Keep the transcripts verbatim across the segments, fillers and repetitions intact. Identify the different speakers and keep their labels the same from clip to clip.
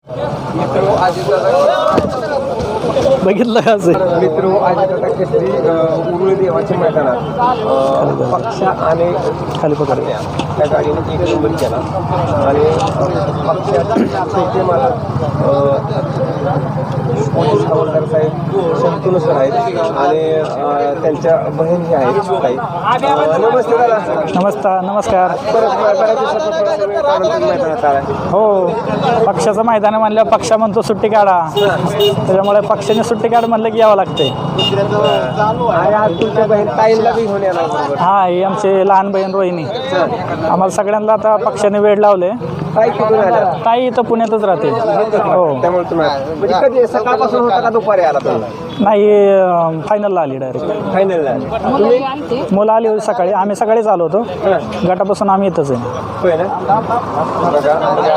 Speaker 1: बघितलं का असं
Speaker 2: मित्र अजितदादा केसरी उरुळी देवाच्या मैदानात पक्ष आणि
Speaker 1: खाली पकडले
Speaker 2: त्या गाडीने एक नंबर केला आणि पक्षाचे मला पोलीस हवालदार साहेब शंतनू सर आहेत आणि त्यांच्या बहीण ही आहेत ताई. नमस्ते दादा.
Speaker 1: नमस्कार नमस्कार
Speaker 2: परत बऱ्याच दिवसापासून मैदानात आला.
Speaker 1: हो पक्षाचं मैदान आहे म्हणल्यावर पक्षा म्हणतो सुट्टी काढा, त्याच्यामुळे पक्षाने सुट्टी काढ म्हणलं की यावं लागते.
Speaker 2: आणि आज तुमच्या बहीण ताईंना बी घेऊन येणार बरोबर.
Speaker 1: हा ही आमची लहान बहीण रोहिणी. आम्हाला सगळ्यांना आता पक्षाने वेळ लावले.
Speaker 2: ताई कुठून आल्या?
Speaker 1: ताई इथं पुण्यातच राहते. हो
Speaker 2: त्यामुळे तुम्ही म्हणजे कधी सकाळपासून होता का दुपारी आला तुम्ही?
Speaker 1: नाही फायनलला आली डायरेक्ट.
Speaker 2: फायनलला तुम्ही
Speaker 1: मुलं आली होती सकाळी, आम्ही सकाळीच आलो होतो. गटापासून आम्ही इथंच आहे.
Speaker 2: होय ना. बघा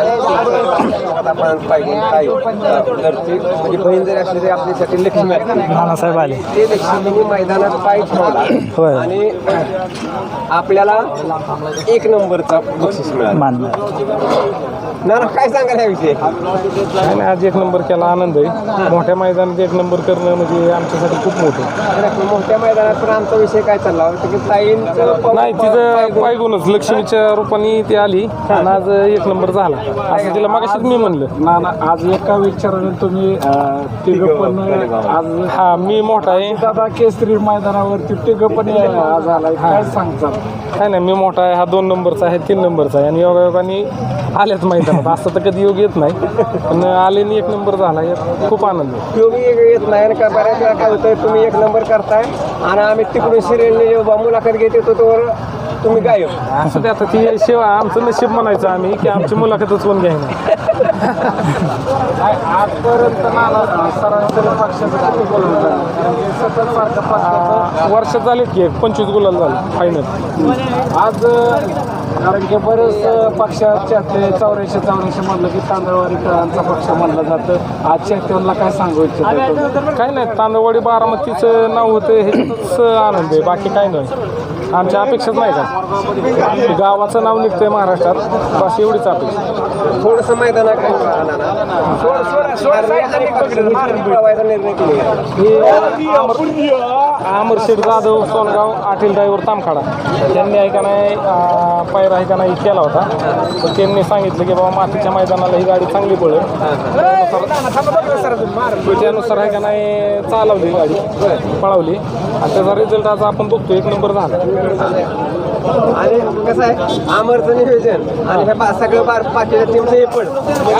Speaker 2: आपण पाहिजे ताई घरची म्हणजे बहीण जरी असली तरी आपल्यासाठी लक्ष्मी असते.
Speaker 1: नानासाहेब आले
Speaker 2: ते लक्ष्मीने मैदानात पाय ठेवला
Speaker 1: होय.
Speaker 2: आणि आपल्याला एक नंबरचा बक्षीस मिळाला.
Speaker 1: मान्य.
Speaker 2: ना काय सांगाल याविषयी?
Speaker 3: काय नाही, आज एक नंबर केला, आनंद आहे. मोठ्या मैदानात एक नंबर करणं म्हणजे आमच्यासाठी खूप मोठं.
Speaker 2: मोठ्या मैदानात पण आमचा विषय काय चालला होता की ताईंचं
Speaker 3: नाही तिचं पायगुणच लक्ष्मीच्या रूपाने ती आली आणि आज एक नंबर झाला असं तिला मगाशीच मी म्हणलं.
Speaker 4: ना ना आज एका विचाराने तुम्ही तिघं पण आज
Speaker 3: हा मी मोठा आहे.
Speaker 4: दादा केसरी मैदानावरती तिघं पण आज आलाय, काय सांगतात?
Speaker 3: काय नाही मी मोठा आहे, हा दोन नंबरचा आहे, तीन नंबरचा आहे आणि योगायोगाने आल्याच मैदानात. असं तर कधी योग येत नाही पण आले आणि एक नंबर झाला, यात खूप आनंद आहे.
Speaker 2: योगी येत नाही का बऱ्याच वेळा काय होतं तुम्ही एक नंबर करताय आणि आम्ही तिकडून सिरियलने मुलाखत घेत येतो तोवर तुम्ही गायब.
Speaker 3: असं ते आता ती शिवा आमचं नशीब म्हणायचं आम्ही की आमची मुलाखतच कोण घ्यायना.
Speaker 4: आजपर्यंत नाना सरासरी पक्षाचं किती गोल होतं? सतत सारखं पक्षाचं
Speaker 3: वर्षात झाले की एक पंचवीस गुलाल झालं फायनल.
Speaker 4: आज कारण की बरेच पक्षाच्या ते चौऱ्याऐंशी चौऱ्याऐंशी म्हणलं की तांदळवाडीकरांचा पक्ष म्हणलं जातं. आजच्या त्यांना काय सांगू इच्छितो?
Speaker 3: काय नाही, तांदळवाडी बारामतीचं नाव होतं ह्याच्यातच आनंद आहे, बाकी काय नाही. आमच्या अपेक्षाच नाही का गावाचं नाव निघतंय महाराष्ट्रात, बस एवढीच अपेक्षा.
Speaker 2: थोडंसं मैदानात काय निर्णय केला.
Speaker 3: अमरशेठ जाधव सोनगाव आटील ड्रायव्हर तामखाडा त्यांनी आहे का नाही पायरा आहे का नाही केला होता. तर त्यांनी सांगितलं की बाबा मातीच्या मैदानाला ही गाडी चांगली पडेल, त्यानुसार आहे का नाही चालवली गाडी, पळवली आणि त्याचा रिझल्ट आज आपण बघतो, एक नंबर झाला.
Speaker 2: आणि कसं आहे आमरचं नियोजन आणि हे सगळं बार पाचव्या टीमचं हे पण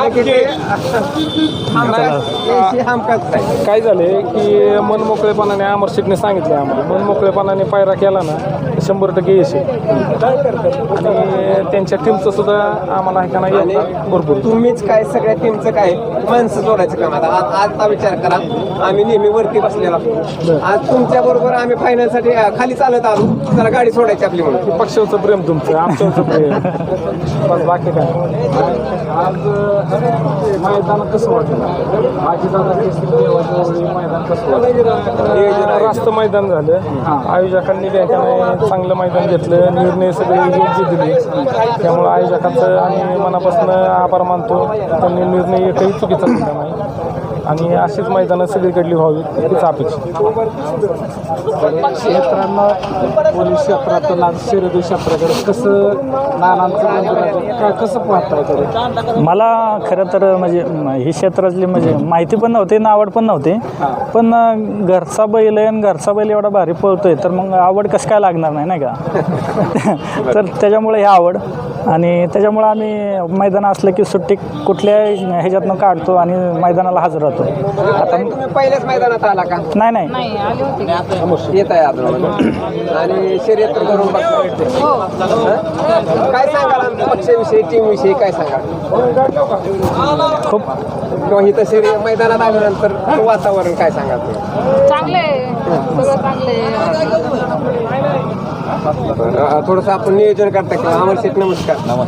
Speaker 2: हमखास आहे.
Speaker 3: काय झालंय की मन मोकळेपणाने अमर शेठने सांगितले आम्हाला, मन मोकळेपणाने पायरा केला ना तर शंभर टक्के यश आहे. आणि त्यांच्या टीमचं सुद्धा आम्हाला आहे का नाही भरपूर.
Speaker 2: तुम्हीच काय सगळ्या टीमचं काय माणसं जोडायचं काम. आता आज आजचा विचार करा, आम्ही नेहमी वरती बसलेला असतो, आज तुमच्या बरोबर आम्ही फायनलसाठी खाली चालत आलो, जरा गाडी सोडायची आपली म्हणून.
Speaker 3: पक्षाचं प्रेम तुमचं, आमच्यावरचं प्रेम, बस बाकी काय.
Speaker 4: आज मैदान कसं वाटलं? आजी दादा केसरी देवाचं मैदान कसं वाटलं?
Speaker 3: रास्त मैदान झालं, आयोजकांनी बी का नाही चांगलं मैदान घेतलं, निर्णय सगळे योग्य दिले, त्यामुळं आयोजकांचं आणि मनापासून आभार मानतो. त्यांनी निर्णय एकही चुकीचा दिला नाही आणि अशीच मैदानं सगळीकडली व्हावी हीच अपेक्षा.
Speaker 4: क्षेत्रांना पोलीस क्षेत्रातून आज शर्यती क्षेत्राकडे कसं नानांचं मंदिराचं काय कसं पाहताय तरी?
Speaker 1: मला खरं तर म्हणजे ही क्षेत्रातली म्हणजे माहिती पण नव्हती ना आवड पण नव्हती, पण घरचा बैल आहे आणि घरचा बैल एवढा भारी पळतोय तर मग आवड कसं काय लागणार नाही नाही का. तर त्याच्यामुळे ही आवड आणि त्याच्यामुळं आम्ही मैदान असलं की सुट्टी कुठल्या ह्याच्यातनं काढतो आणि मैदानाला हजर राहतो. आता
Speaker 2: तुम्ही पहिल्याच मैदानात आला का?
Speaker 1: नाही नाही
Speaker 2: येत आहे अजून आणि शर्यत तर करून बघता भेटते. काय सांगाल आमच्या पक्षाविषयी, टीमविषयी काय सांगाल?
Speaker 1: खूप
Speaker 2: किंवा इथं शर्यत मैदानात आल्यानंतर वातावरण काय सांगाल तुम्ही?
Speaker 5: चांगले सगळं चांगले.
Speaker 2: थोडंसं आपण नियोजन करता का? अमर शेठ नमस्कार.
Speaker 6: नमस्ते.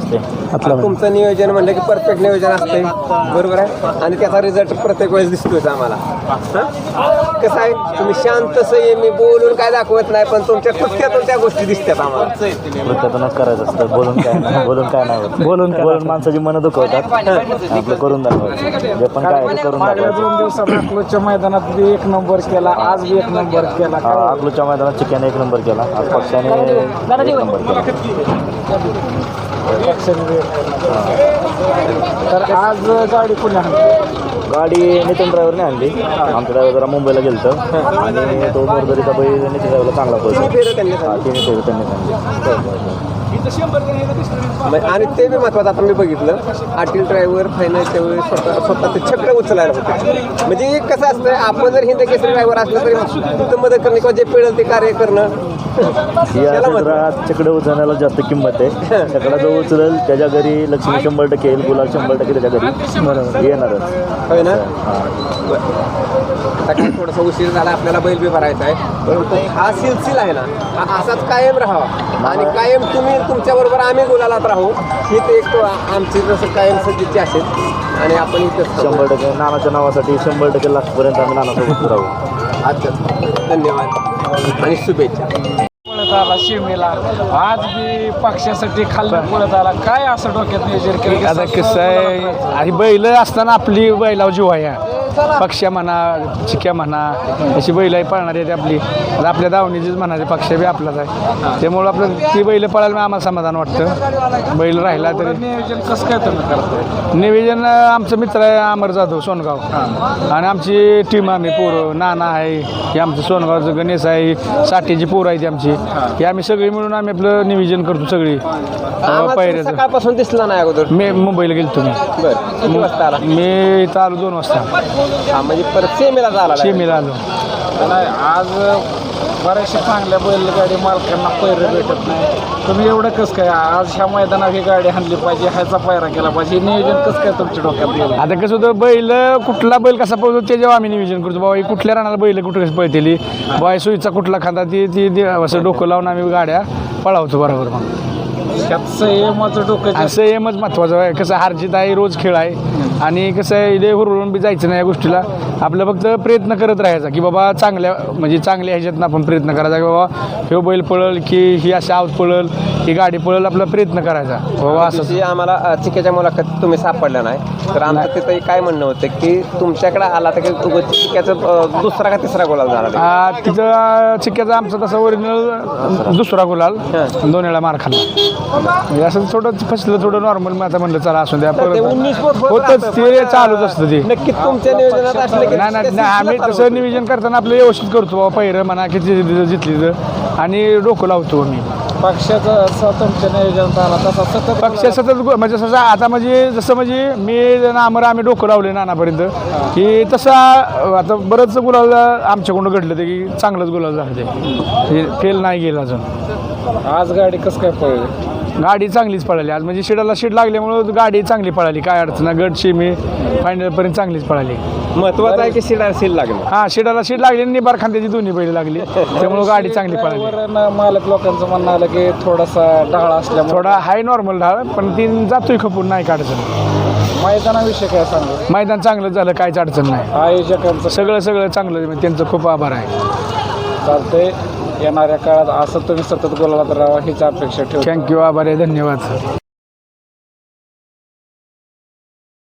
Speaker 1: हातला बैल.
Speaker 2: तुमचं नियोजन म्हणलं की परफेक्ट नियोजन असतंय, बरोबर आहे, आणि त्याचा रिझल्ट प्रत्येक वेळेस दिसतोय आम्हाला. हं? कसं आहे, तुम्ही शांत संयमी बोलून काय दाखवत नाही, पण तुमच्या कृत्यातून त्या गोष्टी दिसतात आम्हाला.
Speaker 6: कृत्यातूनच करायचं असतं, बोलून काय नाही, बोलून काय नाही होत.
Speaker 1: बोलून काय
Speaker 6: बोलून माणसाची मनं दुखवतात, आपलं करून दाखवायचं, जे पण काय आहे ते करून
Speaker 4: मागल्या
Speaker 6: दाखवायचं.
Speaker 4: दोन दिवसात अकलूजच्या मैदानात बी एक नंबर केला, आज बी एक नंबर केला.
Speaker 6: हा, अकलूजच्या मैदानात चिक्याने एक नंबर केला, आज पक्षाने एक नंबर केला.
Speaker 4: तर आज गाडी पुण्या
Speaker 6: गाडी नितीन ड्रायव्हरने आणली, आमचा ड्रायव्हर जरा मुंबईला गेलतो आणि तो मोरदरीचा बैल नितीन ड्रायव्हरला चांगला पळतो.
Speaker 2: फेरं त्यांनी
Speaker 6: हा, तिन्ही फेरी त्यांनी सांगितली.
Speaker 2: मग आणि ते बी महत्वाचं आता मी बघितलं, आटील ड्रायव्हर फायनलच्या वेळेस स्वतः स्वतः ते चक्र उचलायला होते. म्हणजे एक कसं असतं, आपण जर हिंद केसरी ड्रायव्हर असलं तरी तिथं मदत करणं किंवा जे पिळेल ते कार्य करणं
Speaker 6: या
Speaker 2: त्याला महत्त्व.
Speaker 6: क्षेत्रात चकडं उचलण्याला जास्त किंमत आहे. चकडा जो उचलेल त्याच्या घरी लक्ष्मी शंभर टक्के येईल, गुलाल शंभर टक्के त्याच्या घरी बरोबर येणारच.
Speaker 2: होय ना. आता काय थोडासा उशीर झाला, आपल्याला बैल बी भरायचा आहे, परंतु हा सिलसिला आहे ना, हा असाच कायम राहावा आणि कायम तुम्ही तुमच्याबरोबर आम्ही गुलालात राहू, ही ते एक आमची जसं कायम सज्जीची असेल आणि आपण इथं
Speaker 6: शंभर टक्के नानाच्या नावासाठी शंभर टक्के लास्टपर्यंत आम्ही नानासोबत राहू.
Speaker 2: अच्छा, धन्यवाद आणि शुभेच्छा.
Speaker 4: पळत आला शिमेला, आज बी पक्षासाठी खाल्लं पळत आला. काय असं डोक्यात नियोजन केलं?
Speaker 7: आता कसं आहे, आणि बैल असताना आपली बैलावर जीव आहे. पक्ष्या म्हणा, चिक्या म्हणा, अशी बैल आहे पळणारी आहेत आपली. आता आपल्या दावणीचीच म्हणायचे, पक्ष्या बी आपलाच आहे, त्यामुळं आपलं ती बैल पळायला आम्हाला समाधान वाटतं. बैल राहिला तरी.
Speaker 4: नियोजन कसं काय तुम्ही करताय?
Speaker 7: निवेदन आमचं मित्र आहे अमर जाधव सोनगाव, आणि आमची टीम आम्ही पोरं, नाना आहे, हे आमचं सोनगावचं गणेश आहे, साठीची पोरं आहे ती आमची, हे आम्ही सगळी मिळून आम्ही आपलं नियोजन करतो सगळी
Speaker 2: आम्हाला
Speaker 7: पायऱ्याचं.
Speaker 2: सकाळपासून दिसला नाही अगोदर.
Speaker 7: मी मुंबईला गेलो तुम्ही.
Speaker 2: बरं, किती वाजता आला?
Speaker 7: मी इथं आलो दोन वाजता,
Speaker 2: हा, म्हणजे परत सेमीला झाला
Speaker 7: शिमेला आलो.
Speaker 4: नाही, आज बऱ्याचशा चांगल्या बैलगाडी मालकांना पैर भेटत नाही. तुम्ही एवढं कसं काय आज ह्या मैदानात ही गाडी आणली पाहिजे, ह्याचा पायरा केला पाहिजे, हे नियोजन कसं काय तुमच्या डोक्यात गेलं?
Speaker 7: आता कसं होतं, बैल कुठला बैल कसा पळतो ते जेव्हा आम्ही नियोजन करतो, बाबा ही कुठल्या रानाला बैल कुठं कसं पळतेली, बाबा सुईचा कुठला खांदा ती ती ती असं डोकं लावून आम्ही गाड्या पळावतो बरोबर. मग
Speaker 4: त्यात संयमाचं डोकं जास्त.
Speaker 7: असं एमच महत्त्वाचं आहे. कसं हारजीत आहे, रोज खेळ आहे, आणि कसं आहे इथे हुरळून बी जायचं नाही या गोष्टीला. आपलं फक्त प्रयत्न करत राहायचा की बाबा चांगल्या म्हणजे चांगल्या ह्याच्यातनं आपण प्रयत्न करायचा की बाबा हे बैल पळल की ही अशी आवत पळल ही गाडी पळल, आपला प्रयत्न करायचा बाबा असं.
Speaker 2: तशी आम्हाला अ, चिक्याच्या मुलाखतीत तुम्ही सापडला नाही, तर आमचं तिथं काय म्हणणं होतं की तुमच्याकडे आला तर की उगाच चिक्याचं अ, दुसरा का तिसरा गोलाल झाला ते.
Speaker 7: आ, तिथं चिक्क्याचा आमचा तसा ओरिजिनल दुसरा गुलाल, दोन वेळा मार खाल्ला. म्हणजे असं थोडं फसलं थोडं नॉर्मल. मग आता म्हणलं चला असू द्या,
Speaker 2: तर ते उन्नीस
Speaker 7: परत
Speaker 2: होत
Speaker 7: होतच ते चालूच असतं ते.
Speaker 2: नक्की तुमच्या नियोजनात असलं की
Speaker 7: नाही नाही
Speaker 2: ते
Speaker 7: नाही, आम्ही
Speaker 2: सिलसिला
Speaker 7: तसं नियोजन करताना आपलं व्यवस्थित करतो बाबा, पहिरं म्हणा किती जितली तर, आणि डोकं लावतो आम्ही.
Speaker 4: पक्षाचा असा तुमच्या नियोजनात आला तसा सतत
Speaker 7: पक्ष सतत गु- म्हणजे जसं आता म्हणजे जसं म्हणजे मी नामर आम्ही डोकं लावले नानापर्यंत की तसा आता बरंच गुलाल आमच्याकडून घडलं ते की चांगलंच गुलाल झालं ते, म्हणजे फेल नाही गेलं अजून.
Speaker 4: आज गाडी कसं काय पळली?
Speaker 7: गाडी चांगलीच पळाली आज, म्हणजे शिडाला शिड लागल्यामुळं गाडी चांगली पळाली, काय अडचण नाही. गट शिमी फायनलपर्यंत चांगलीच पळाली.
Speaker 2: महत्वाचं आहे की शिडा सील लागलं.
Speaker 7: हां, शिडाला शिड लागली आणि निबार खांद्याची दोन्ही बैल लागली, त्यामुळं गाडी चांगली पळाली.
Speaker 4: ड्रायव्हरनं मालक लोकांचं म्हणणं आलं की थोडासा ढाळ असल्यामुळे
Speaker 7: थोडा हाय नॉर्मल ढाळ, पण ती जातोय खपून, नाही काय अडचण.
Speaker 4: मैदानाविषयी काय सांगू?
Speaker 7: मैदान चांगलं झालं, काहीच अडचण नाही.
Speaker 4: आयोजकांचं
Speaker 7: सगळं सगळं चांगलं, म्हणजे त्यांचं खूप आभार आहे.
Speaker 4: चालतंय. येणाऱ्या काळात असं तुम्ही सतत बोलायला तर राहा हीच अपेक्षा ठेवतो.
Speaker 7: थँक्यू, आभार आहे, धन्यवाद.